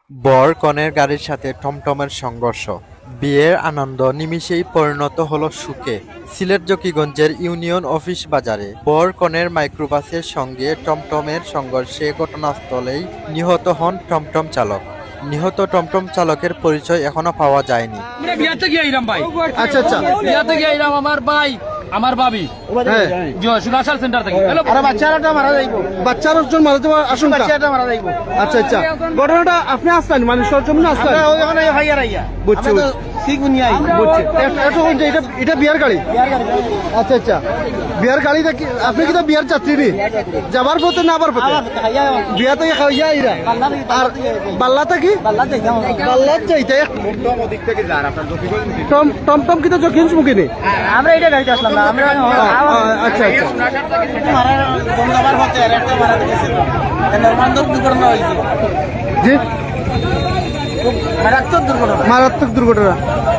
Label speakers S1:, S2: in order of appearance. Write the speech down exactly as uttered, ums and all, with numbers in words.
S1: বর কনের গাড়ির সাথে টমটমের সংঘর্ষ, বিয়ের আনন্দ নিমিষেই পরিণত হলো সুখে। সিলেট জকিগঞ্জের ইউনিয়ন অফিস বাজারে বর কনের মাইক্রোবাসের সঙ্গে টমটমের সংঘর্ষে ঘটনাস্থলেই নিহত হন টমটম চালক। নিহত টমটম চালকের পরিচয় এখনো পাওয়া যায়নি।
S2: বিয়াতে গিয়ে আইরাম ভাই।
S3: আচ্ছা আচ্ছা
S2: বিয়াতে গিয়ে আইরাম আমার ভাই আমার ভাবি
S3: হ্যাঁ
S2: সুগার সেন্টার থেকে
S3: আর বাচ্চাটা মারা যাইবো বাচ্চার একজন মারা যাওয়ার আশঙ্কা বাচ্চাটা মারা যাইবো আচ্ছা আচ্ছা ঘটনাটা আপনি আসলেন মানে সরজমিনে আসলেন আমরা ওখানে ভাইয়া রাইয়া বুঝছি ঠিক উনি আই বুঝছি এটা এটা এটা বিয়ার গাড়ি আচ্ছা আচ্ছা বিয়ার গাড়িটা কি আপনি কি তো বিয়ার যাত্রী নি যাবার পথে না আবার পথে বিয়া থেকে খাইয়া আইরা আর বাল্লাটা কি বাল্লাত যাইতে টম টম টম কি তো জকিন্স মুকিনি
S4: আমরা এটা গাড়িতে আসলাম না আমরা
S3: আচ্ছা আচ্ছা
S4: মারা গঙ্গাবার হতে আর একটা মারা গেছে নরমান্দক দুর্ঘটনা হয়েছে
S3: জি
S4: মারাত্মক দুর্ঘটনা
S3: মারাত্মক দুর্ঘটনা